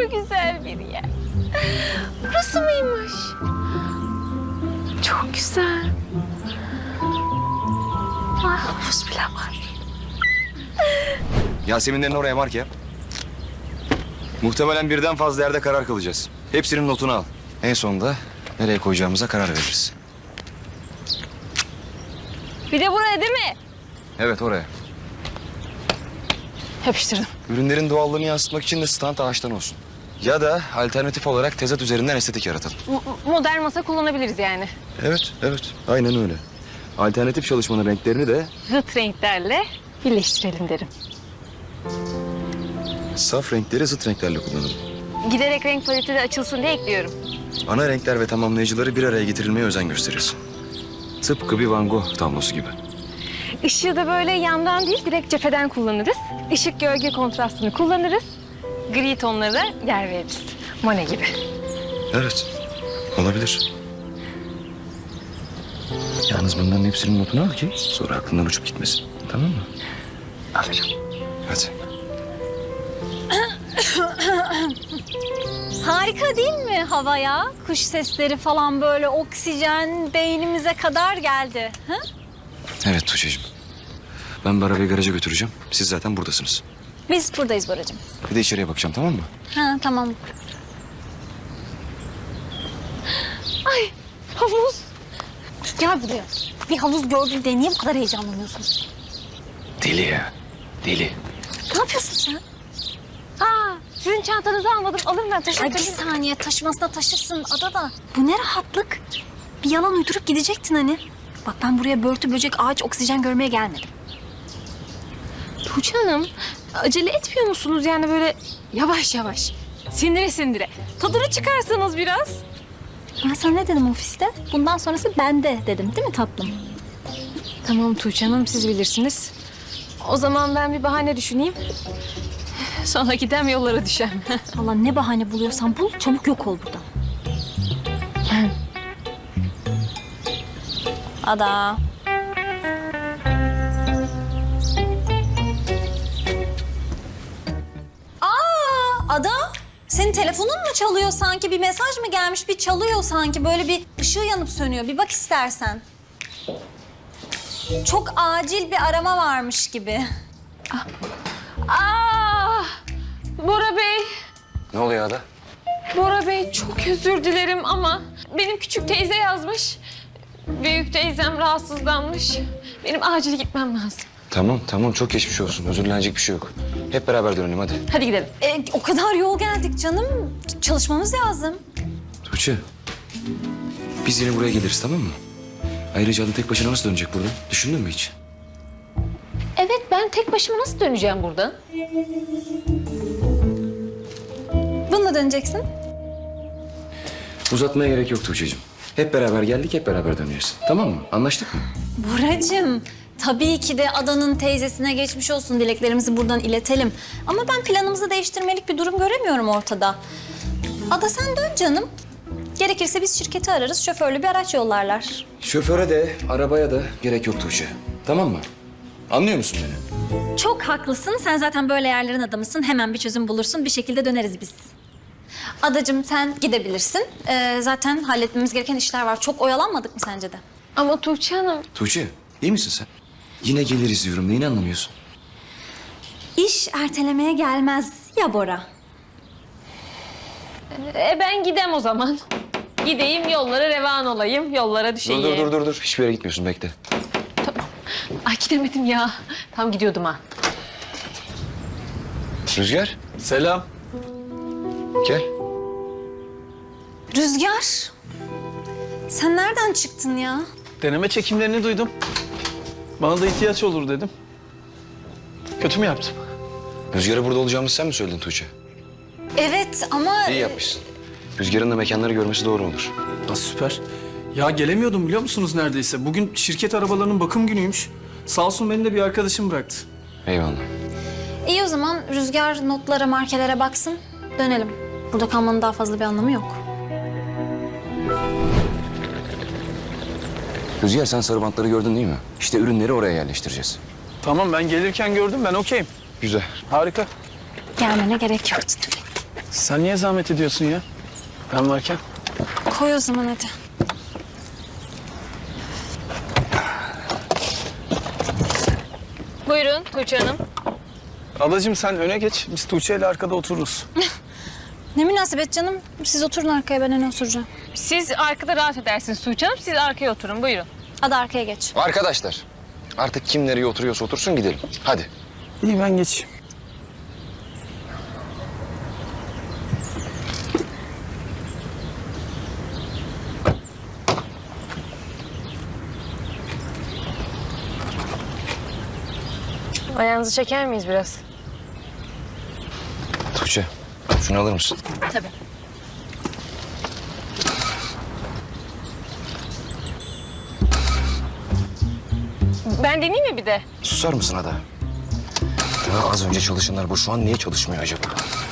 kadar güzel bir yer. Burası mıymış? Çok güzel. Ay, havuz bile var. Yaseminlerin oraya mark yap. Muhtemelen birden fazla yerde karar kılacağız. Hepsinin notunu al. En sonunda nereye koyacağımıza karar veririz. Bir de buraya değil mi? Evet, oraya. Yapıştırdım. Ürünlerin doğallığını yansıtmak için de stand ağaçtan olsun. Ya da alternatif olarak tezat üzerinden estetik yaratalım. Modern masa kullanabiliriz yani. Evet, evet. Aynen öyle. Alternatif çalışmanın renklerini de Zıt renklerle birleştirelim derim. saf renkleri zıt renklerle kullanalım. Giderek renk paleti de açılsın diye ekliyorum. Ana renkler ve tamamlayıcıları bir araya getirilmeye özen gösterirsin. Tıpkı bir Van Gogh tablosu gibi. Işığı da böyle yandan değil, direkt cepheden kullanırız. Işık gölge kontrastını kullanırız. Gri tonlara da yer veririz. Monet gibi. Evet, olabilir. Yalnız bunların hepsinin notunu al ki sonra aklından uçup gitmesin. Tamam mı? Alacağım. Hadi. Harika değil mi hava ya? Kuş sesleri falan böyle oksijen beynimize kadar geldi. Ha? Evet Tuğçe'cim. Ben bu arabayı garaja götüreceğim. Siz zaten buradasınız. Biz buradayız Boracığım. Bir de içeriye bakacağım, tamam mı? Ha tamam. Havuz. Gel buraya. Bir havuz gördün de niye bu kadar heyecanlanıyorsun? Deli ya. Deli. Ne yapıyorsun sen? Aa, sizin çantanızı almadım. Alırım ben Ay bir taşırım. saniye taşımasına taşırsın adada. Bu ne rahatlık? Bir yalan uydurup gidecektin hani. Bak ben buraya börtü böcek ağaç oksijen görmeye gelmedim. Tuğçe Hanım, acele etmiyor musunuz? Yani böyle yavaş yavaş, sindire sindire. Tadını çıkarsanız biraz. Ben sana ne dedim ofiste? Bundan sonrası bende dedim değil mi tatlım? Tamam Tuğçe Hanım, siz bilirsiniz. O zaman ben bir bahane düşüneyim. Sonra gidem yollara düşem. Allah ne bahane buluyorsan bul çabuk yok ol buradan. Ada. Ada, senin telefonun mu çalıyor sanki? Bir mesaj mı gelmiş? Bir çalıyor sanki. Böyle bir ışığı yanıp sönüyor. Bir bak istersen. Çok acil bir arama varmış gibi. Aa, Bora Bey, Ne oluyor Ada? Bora Bey çok özür dilerim ama benim küçük teyze yazmış. Büyük teyzem rahatsızlanmış. Benim acil gitmem lazım. Tamam. Çok geçmiş olsun. Özür dilenecek bir şey yok. Hep beraber dönelim hadi. Hadi gidelim. O kadar yol geldik canım. Çalışmamız lazım. Tuğçe. Biz yine buraya geliriz, tamam mı? Ayrıca Ada tek başına nasıl dönecek buradan? Düşündün mü hiç? Evet, ben tek başıma nasıl döneceğim buradan? Bununla döneceksin. Uzatmaya gerek yok Tuğçe'cim. Hep beraber geldik, hep beraber döneceğiz. Tamam mı? Anlaştık mı? Buracığım, tabii ki de Adan'ın teyzesine geçmiş olsun dileklerimizi buradan iletelim. Ama ben planımızı değiştirmelik bir durum göremiyorum ortada. Ada sen dön canım. Gerekirse biz şirketi ararız, şoförlü bir araç yollarlar. Şoföre de, arabaya da gerek yok Tuğçe. Tamam mı? Anlıyor musun beni? Çok haklısın, sen zaten böyle yerlerin adamısın. Hemen bir çözüm bulursun, bir şekilde döneriz biz. Adacığım sen gidebilirsin. Zaten halletmemiz gereken işler var. Çok oyalanmadık mı sence de? Ama Tuğçe Hanım, Tuğçe, iyi misin sen? Yine geliriz diyorum. Neyini anlamıyorsun? İş ertelemeye gelmez ya Bora. ben gidem o zaman. Gideyim, yollara revan olayım, yollara düşeyim. Dur. Hiçbir yere gitmiyorsun. Bekle. Ay gidemedim ya. Tam gidiyordum ha. Rüzgar, Selam. gel. Rüzgar, sen nereden çıktın ya? Deneme çekimlerini duydum. Bana da ihtiyaç olur dedim. Kötü mü yaptım? Rüzgar'a burada olacağımızı sen mi söyledin Tuğçe? Evet ama... İyi yapmışsın. Rüzgar'ın da mekanları görmesi doğru olur. Süper. Ya gelemiyordum biliyor musunuz neredeyse? Bugün şirket arabalarının bakım günüymüş. Sağ olsun beni de bir arkadaşım bıraktı. Eyvallah. İyi o zaman Rüzgar notlara, markelere baksın. Dönelim. Burada kalmanın daha fazla bir anlamı yok. Rüzgar, sen sarı bantları gördün değil mi? İşte ürünleri oraya yerleştireceğiz. Tamam ben gelirken gördüm ben okeyim. Güzel. Harika. Gelmene gerek yoktu demek. Sen niye zahmet ediyorsun ya? Ben varken. Koy o zaman hadi. Buyurun Tuğçe Hanım. Adacığım sen öne geç. Biz Tuğçe ile arkada otururuz. Ne münasebet canım. Siz oturun arkaya, ben öne oturacağım. Siz arkada rahat edersiniz Tuğçe Hanım. Siz arkaya oturun buyurun. Hadi arkaya geç. Arkadaşlar artık kim nereye oturuyorsa otursun gidelim. Hadi. İyi ben geçeyim. Ayağınızı çeker miyiz biraz? Tuğçe şunu alır mısın? Tabii. Ben deneyeyim mi bir de? Susar mısın Ada? Ya az önce çalışanlar bu şu an niye çalışmıyor acaba?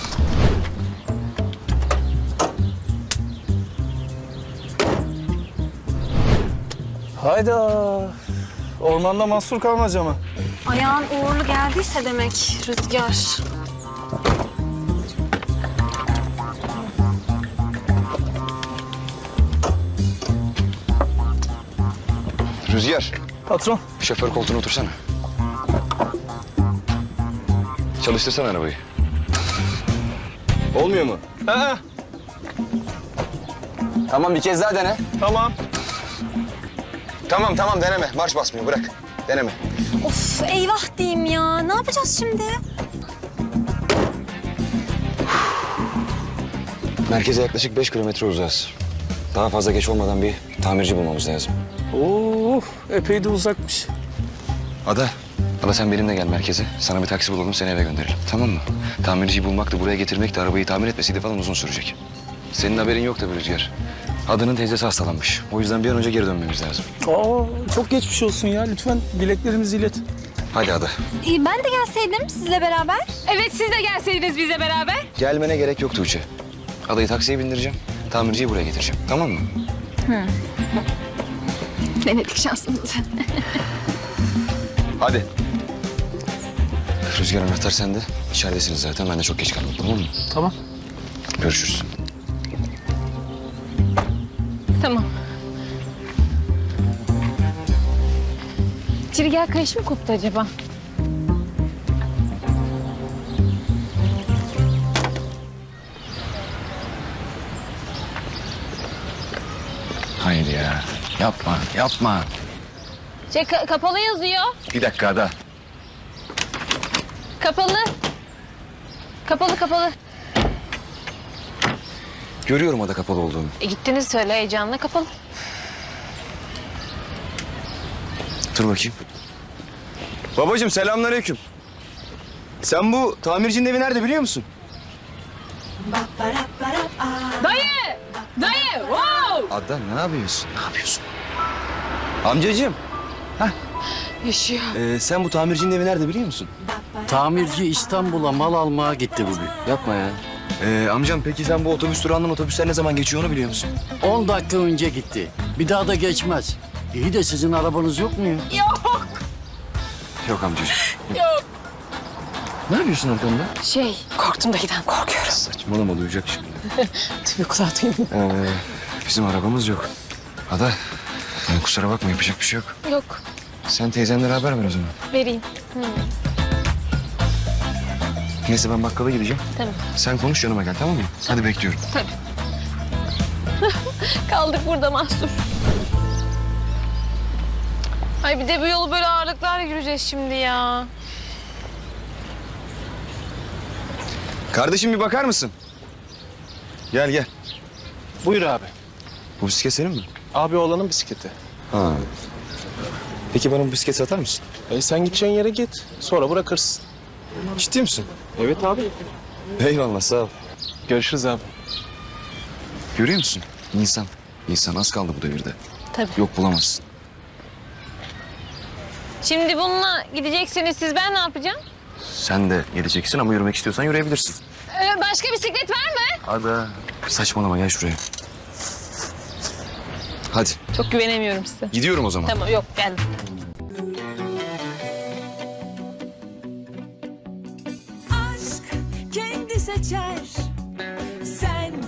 Hayda. Ormanda mahsur kalmaca mı? Ayağın uğurlu geldiyse demek Rüzgar. Rüzgar, Patron. şoför koltuğuna otursana. Çalıştırsana arabayı. Olmuyor mu? Ha, Tamam bir kez daha dene. tamam. Tamam deneme. Marş basmıyor bırak. Deneme. Of eyvah diyeyim ya. Ne yapacağız şimdi? Merkeze yaklaşık 5 kilometre uzağız. Daha fazla geç olmadan bir tamirci bulmamız lazım. Oo, epey de uzakmış. Ada sen benimle gel merkeze. Sana bir taksi bulalım seni eve gönderelim. Tamam mı? Tamirciyi bulmak da buraya getirmek de arabayı tamir etmesiydi falan uzun sürecek. Senin haberin yok tabii Rüzgar. Adanın teyzesi hastalanmış. O yüzden bir an önce geri dönmemiz lazım. Aa, çok geçmiş olsun ya. Lütfen dileklerimizi ilet. Hadi Ada. Ben de gelseydim sizle beraber. Evet siz de gelseydiniz bizle beraber. Gelmene gerek yok Tuğçe. Adayı taksiye bindireceğim. Tamirciyi buraya getireceğim. Tamam mı? Denedik şansımızı. Hadi. Rüzgar anahtar sende. İçeridesiniz zaten. Ben de çok geç kaldım. Tamam mı? Tamam. Görüşürüz. Tamam. Çirgel kayış mı koptu acaba? Hayır ya. Yapma. Kapalı yazıyor. Bir dakika Ada. Kapalı. Kapalı. Görüyorum Ada kapalı olduğunu. Gittiniz söyle heyecanla kapalı. Dur bakayım. Babacığım selamünaleyküm. Sen bu tamircinin evi nerede biliyor musun? Dayı, wow! Ada ne yapıyorsun? Amcacığım. Yaşıyor. Sen bu tamircinin evi nerede biliyor musun? Tamirci İstanbul'a mal almaya gitti bugün. Yapma ya. Amcam peki sen bu otobüs durağından otobüsler ne zaman geçiyor onu biliyor musun? 10 dakika önce gitti. Bir daha da geçmez. İyi de sizin arabanız yok mu ya? Yok amcacığım. Yok. Ne yapıyorsun arkamda? Korktum da giden korkuyorum. Saçmalama duyacak şimdi. Tüy kulağı duymuyor. Bizim arabamız yok. Ada kusura bakma yapacak bir şey yok. Yok, Sen teyzenlere haber ver o zaman. vereyim. Neyse ben bakkala gideceğim. Tamam. Sen konuş yanıma gel tamam mı? Hadi bekliyorum. Kaldık burada mahsur. Ay bir de bu yolu böyle ağırlıklarla yürüyeceğiz şimdi ya. Kardeşim bir bakar mısın? Gel. Buyur abi. Bu bisiklet senin mi? Abi oğlanın bisikleti. Ha. Peki bana bu bisiklet satar mısın? Sen gideceğin yere git. Sonra bırakırsın. Ciddi misin? Evet abi. Eyvallah sağ ol. Görüşürüz abi. Görüyor musun? İnsan az kaldı bu devirde. Tabii. Yok bulamazsın. Şimdi bununla gideceksiniz siz, ben ne yapacağım? Sen de geleceksin ama yürümek istiyorsan yürüyebilirsin. Başka bisiklet var mı? Hadi. Saçmalama gel şuraya. Hadi Çok güvenemiyorum size. gidiyorum o zaman. Tamam yok geldim. aşk kendi seçer sen